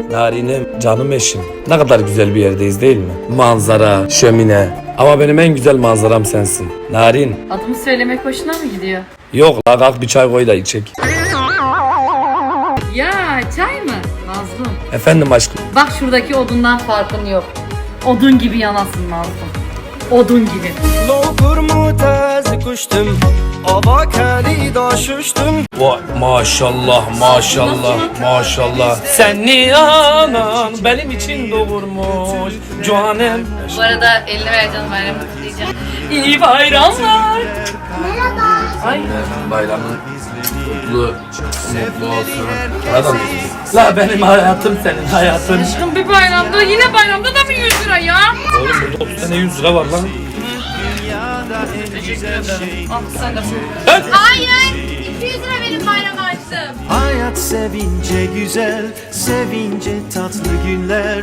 Narinim, canım eşim. Ne kadar güzel bir yerdeyiz değil mi? Manzara, şömine. Ama benim en güzel manzaram sensin. Narin. Adımı söylemek hoşuna mı gidiyor? Yok la, kalk bir çay koy da içek. Ya çay mı? Mazlum. Efendim aşkım. Bak şuradaki odundan farkın yok. Odun gibi yanasın Mazlum. Odun gibi. Lokur mu tez kuştum, ava keli daşuştum. Vay maşallah maşallah maşallah. Seni anan benim için doğurmuş canım. Bu arada eline ver canım, bayramını kutlayacağım. İyi bayramlar. Ay. Bayramın mutlu olsun. Adam. La benim hayatım senin hayatın. Aşkım bir bayramda, yine bayramda da mı 100 lira ya? Oğlum burada 30 tane 100 lira var lan. Teşekkür ederim. Al sen de. Evet. Hayır. 200 lira benim bayram açtım. Hayat sevince güzel, sevince tatlı günler.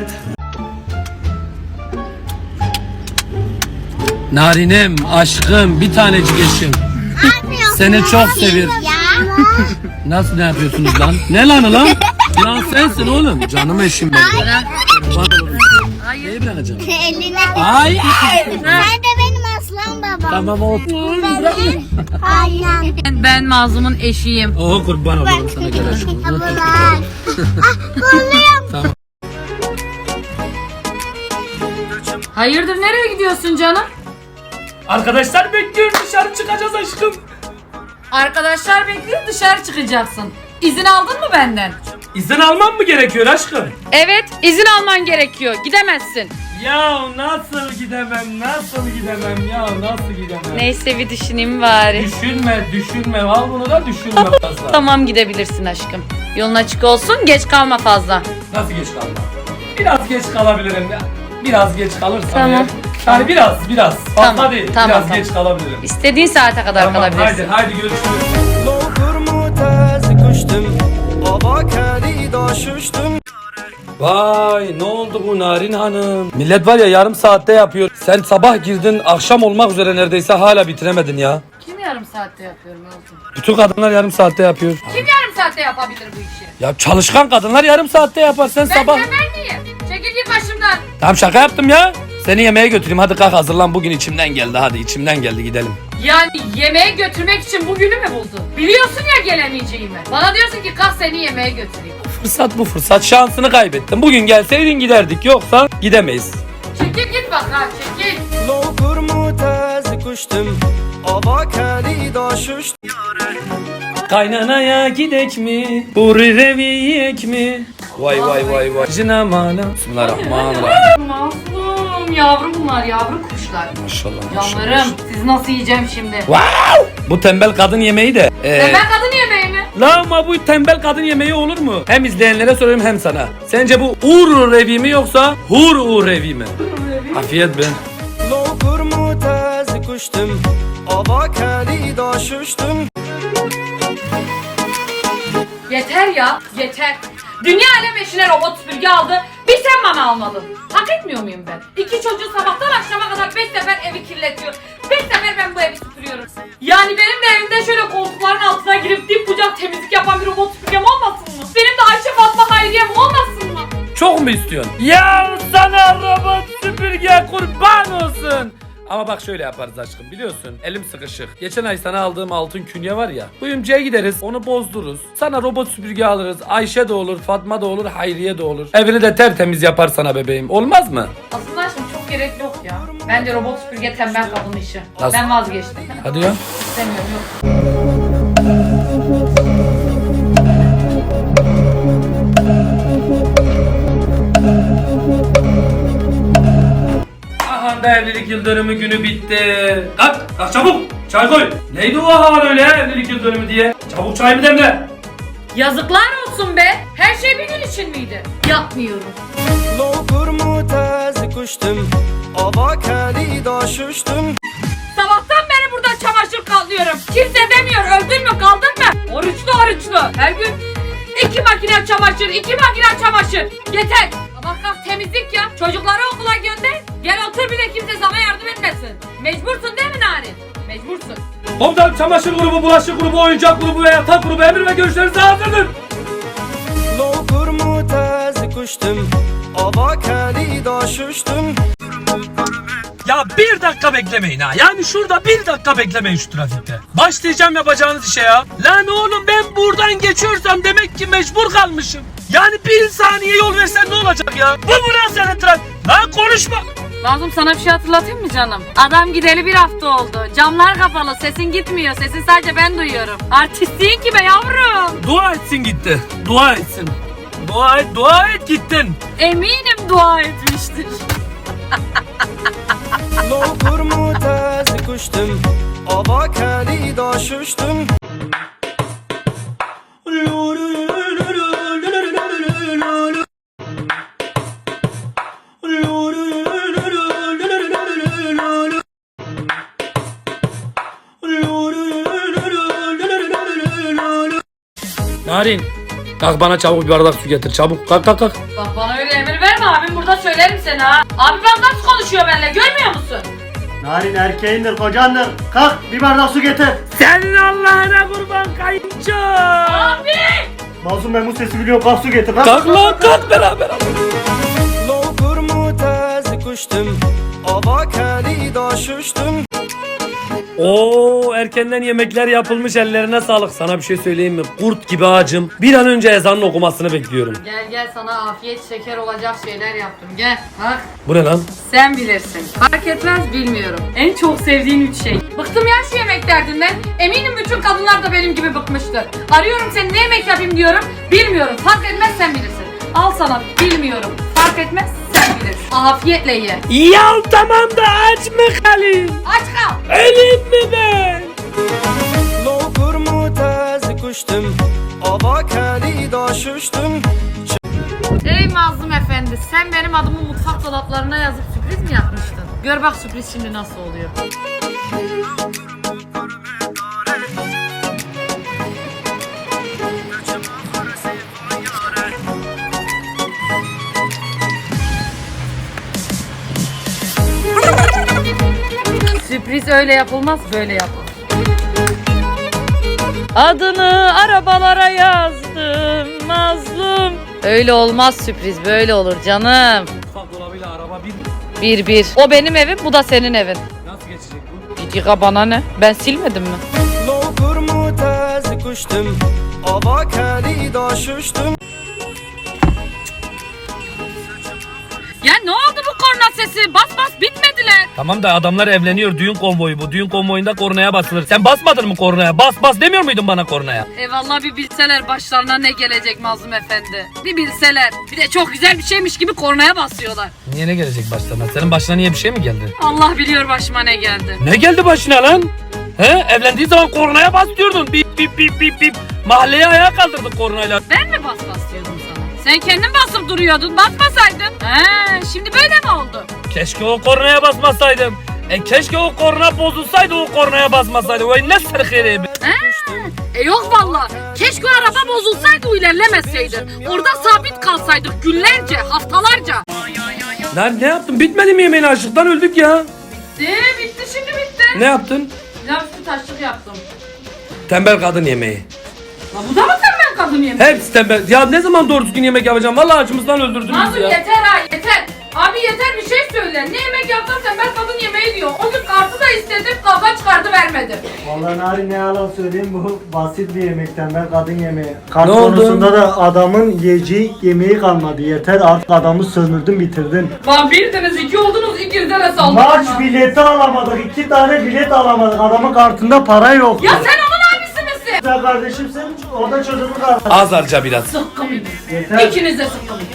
Narinim, aşkım, bir tanecik eşim. Seni çok seviyorum. Nasıl ne yapıyorsunuz lan? Ne lanı lan? Lan sensin oğlum. Canım eşim benim. Hayır. Neyi bırakacağım? Eline. Ay. Sen de benim aslan babam. Tamam o. Benim aynen. Ben Mazlum'un eşiyim. Oh kurban olurum sana gel aşkım. Ablalar. Kolluyorum. Tamam. Hayırdır, nereye gidiyorsun canım? Arkadaşlar bekliyorum, dışarı çıkacağız aşkım. Arkadaşlar bekliyor, dışarı çıkacaksın. İzin aldın mı benden? İzin almam mı gerekiyor aşkım? Evet, izin alman gerekiyor. Gidemezsin. Ya nasıl gidemem ya nasıl gidemem? Neyse bir düşüneyim bari. Düşünme al bunu da düşünme fazla. Tamam, gidebilirsin aşkım. Yolun açık olsun, geç kalma fazla. Nasıl geç kalma? Biraz geç kalabilirim ya. Biraz geç kalırsam Tamam. ya. Yani biraz. Fazla Tamam, değil. tamam, biraz tamam. geç kalabilirim. İstediğin saate kadar Tamam kalabilirsin. haydi görüşürüz. Lokur mu tez kuştum, ava keli daşuştum. Vay ne oldu bu Narin Hanım? Millet var ya yarım saatte yapıyor. Sen sabah girdin akşam olmak üzere neredeyse hala bitiremedin ya. Kim yarım saatte yapıyorum oğlum? Bütün kadınlar yarım saatte yapıyor. Kim yarım saatte yapabilir bu işi? Ya çalışkan kadınlar yarım saatte yapar sen Ben sabah. tembel miyim? Çekil git başımdan. Tamam şaka yaptım ya. Seni yemeğe götüreyim hadi kalk hazırlan bugün içimden geldi hadi içimden geldi gidelim. Yani yemeğe götürmek için bugünü mü buldun? Biliyorsun ya gelemeyeceğimi. Bana diyorsun ki kalk seni yemeğe götüreyim. Fırsat bu fırsat şansını kaybettin. Bugün gelseydin giderdik yoksa gidemeyiz. Çekil git bak ha, çekil. Lokur mu tez kuştum, ava keli daşuştum. Kaynanaya gidek mi? Huri revi yiyek mi? Vay. Cinamana. Bismillahirrahmanirrahim. Mazlum yavrum bunlar, yavru kuşlar. Maşallah. Canlarım, siz nasıl yiyeceğim şimdi? Wow! Bu tembel kadın yemeği de. Ben kadın yemeği mi? La ama bu tembel kadın yemeği olur mu? Hem izleyenlere soruyorum hem sana. Sence bu ur revi mi yoksa hur revi mi? Afiyet ben. Lokur mu tez kuştum, ava keli daşuştum. Yeter ya, yeter. Dünya alem eşine robot süpürge aldı, bir sen bana almadın. Hak etmiyor muyum ben? 2 çocuğu sabahtan akşama kadar 5 sefer evi kirletiyor. 5 sefer ben bu evi süpürüyorum. Yani benim de evimde şöyle koltukların altına girip dip bucak temizlik yapan bir robot süpürgem olmasın mı? Benim de Ayşe Fatma Hayriye'm olmasın mı? Çok mu istiyorsun? Ya sana robot süpürge kurban olsun. Ama bak şöyle yaparız aşkım biliyorsun elim sıkışık. Geçen ay sana aldığım altın künye var ya. Kuyumcuya gideriz onu bozdururuz. Sana robot süpürge alırız. Ayşe de olur, Fatma da olur, Hayriye de olur. Evini de tertemiz yapar sana bebeğim. Olmaz mı? Aslında şimdi çok gerek yok ya. Bence robot süpürge tembel kadın işi. Nasıl? Ben vazgeçtim. Hadi ya. İstemiyorum, yok. Aha da evlilik yıl dönümü günü bitti. Kalk çabuk çay koy. Neydi o hava öyle evlilik yıl dönümü diye? Çabuk çay mı demle. Yazıklar olsun be. Her şey bir gün için miydi? Yapmıyorum. Lokur mu tez kuştum, ava keli daşuştum. Sabahtan beri burada çamaşır katlıyorum. Kimse demiyor öldün mü kaldın mı? Oruçlu. Her gün 2 makine çamaşır, 2 makine çamaşır. Yeter. Sabah kalk temizlik ya. Çocukları okula gönder. Gel otur bir de kimse sana yardım etmesin. Mecbursun değil mi Narin? Mecbursun. Komutanım çamaşır grubu, bulaşık grubu, oyuncak grubu ve yatak grubu emir ve görüşlerinize hazırdır. Lokur mu tez kuştum. kuştum Ava kelida şuştum Ya bir dakika beklemeyin ha. Yani şurada bir dakika beklemeyin şu trafikte. Başlayacağım yapacağınız işe ya. Lan oğlum ben buradan geçiyorsam demek ki mecbur kalmışım. Yani bir saniye yol versen ne olacak ya? Bu senin trafik. Lan konuşma. Mazlum sana bir şey hatırlatayım mı canım? Adam gideli bir hafta oldu. Camlar kapalı, sesin gitmiyor. Sesini sadece ben duyuyorum. Artistliğin gibi yavrum. Dua etsin gitti. Dua etsin. Dua et gittin. Eminim dua etmiştir. Lokur mutaz kuştum Ava kelida şuştum Narin. Kalk bana çabuk bir bardak su getir. Çabuk kalk. Bak bana öyle emir verme, abim burada söylerim seni ha. Abi bak nasıl konuşuyor benimle, görmüyor musun? Narin erkeğindir, kocandır. Kalk bir bardak su getir. Senin Allah'ına kurban kayınço. Abi! Mazlum ben bu sesi biliyorum. Kalk su getir. Kalk lan kalk beraber. Lokur mutaz kuştum Ava kelida şuştum Oo erkenden yemekler yapılmış, ellerine sağlık. Sana bir şey söyleyeyim mi? Kurt gibi ağacım. Bir an önce ezanın okumasını bekliyorum. Gel sana afiyet şeker olacak şeyler yaptım, gel bak. Bu ne lan? Sen bilirsin. Fark etmez, bilmiyorum. En çok sevdiğin 3 şey. Bıktım ya şu yemek derdinden. Eminim bütün kadınlar da benim gibi bıkmıştır. Arıyorum seni, ne yemek yapayım diyorum. Bilmiyorum. Fark etmez, sen bilirsin. Al sana, bilmiyorum. Fark etmez, sen bilirsin. Afiyetle ye. Ya tamam da aç mı kalayım? Aç kal. Öleyim mi ben? Lokur mutaz kuştum Ava kelida şuştum Ey Mazlum Efendi, sen benim adımı mutfak dolaplarına yazıp sürpriz mi yapmıştın? Gör bak sürpriz şimdi nasıl oluyor. Sürpriz öyle yapılmaz, böyle yapılır. Adını arabalara yazdım Mazlum. Öyle olmaz sürpriz, böyle olur canım. Mutfak dolabıyla araba Bir. O benim evim, bu da senin evin. nasıl geçecek bu? Bir dakika, bana ne? Ben silmedim mi? Lokur mutaz kuştum Ava kelida şuştum Ya ne oldu bu korna sesi? Bas bitmediler. Tamam da adamlar evleniyor, düğün konvoyu bu. Düğün konvoyunda kornaya basılır. Sen basmadın mı kornaya? Bas demiyor muydun bana kornaya? Eyvallah, bir bilseler başlarına ne gelecek Mazlum Efendi. Bir bilseler. Bir de çok güzel bir şeymiş gibi kornaya basıyorlar. Niye ne gelecek başlarına? Senin başına niye bir şey mi geldi? Allah biliyor başıma ne geldi. Ne geldi başına lan? He? Evlendiği zaman kornaya bas diyordun. Bip. Mahalleye ayağa kaldırdık kornayla. Ben mi bas diyordum sana? Sen kendin basıp duruyordun, basmasaydın. Şimdi böyle mi oldu? Keşke o kornaya basmasaydım. Keşke o korna bozulsaydı, o kornaya basmasaydı. Vay ne sırkırı. Yok valla. Keşke o araba bozulsaydı, o ilerlemeseydi. Orada sabit kalsaydık günlerce, haftalarca. Lan ne yaptın? Bitmedi mi yemeğin, açlıktan öldük ya. Bitti, şimdi bitti. Ne yaptın? Pilav üstü taşlık yaptım. Tembel kadın yemeği. La bu da mı tembel kadın yemeği? Hepsi tembel. Ya ne zaman doğru düzgün yemek yapacağım? Vallahi acımızdan öldürdünüz Mazlum ya. yeter ha, yeter. Abi yeter, bir şey söyle. Ne yemek yaptın tembel kadın yemeği diyor. O gün kartı da istedim, kavga çıkardı, vermedi. Vallahi Narin ne yalan söyleyeyim, bu basit bir yemekten, ben kadın yemeği. Kart Ne oldu? konusunda da adamın yiyeceği yemeği kalmadı. Yeter artık, adamı sömürdün bitirdin. Lan birdiniz, 2 oldunuz, ikinize de Maç bileti alamadık, 2 tane bilet alamadık. Adamın kartında para yok. Ya sen onun abisi misin? Sen kardeşimsin, o da çocuğunu kardeş. Az harca biraz. Sıkkımıyım. Yeter. İkiniz de sıkkımıyım.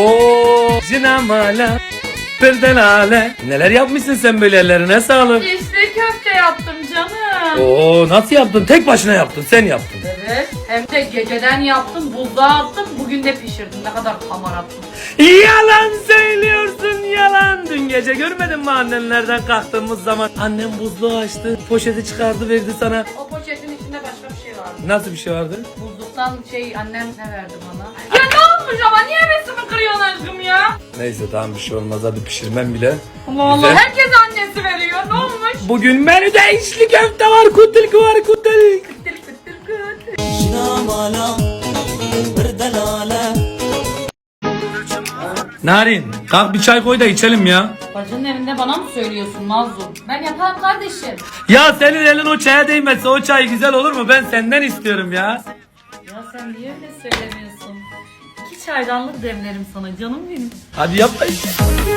Oo, zinamala, perdelale. Neler yapmışsın sen böyle, ellerine sağlık. İşte köfte yaptım canım. Oo, nasıl yaptın? Tek başına yaptın, sen yaptın. Evet. Hem de geceden yaptım, buzluğa attım, bugün de pişirdim. Ne kadar hamarattım. Yalan söylüyorsun, yalan. Dün gece görmedin mi annenlerden kalktığımız zaman? Annem buzluğu açtı, poşeti çıkardı verdi sana. O poşetin içinde başka bir şey vardı. Nasıl bir şey vardı? Buzluktan annem ne verdi bana? Ya ne olmuş ama, niye hevesimi kırıyorsun aşkım ya? Neyse tamam, bir şey olmaz, hadi pişirmem bile. Allah Allah, Güzel. herkes annesi veriyor, ne olmuş? Bugün menüde içli köfte var, kutilk var, kutilk. Kıtır kıtır kıtır. Jinamala, perdelale Narin kalk bir çay koy da içelim ya. Bacının evinde bana mı söylüyorsun Mazlum? Ben yaparım kardeşim. Ya senin elin o çaya değmezse o çay güzel olur mu? Ben senden istiyorum ya. Ya sen niye öyle söylemiyorsun? 2 çaydanlık demlerim sana canım benim. Hadi yap.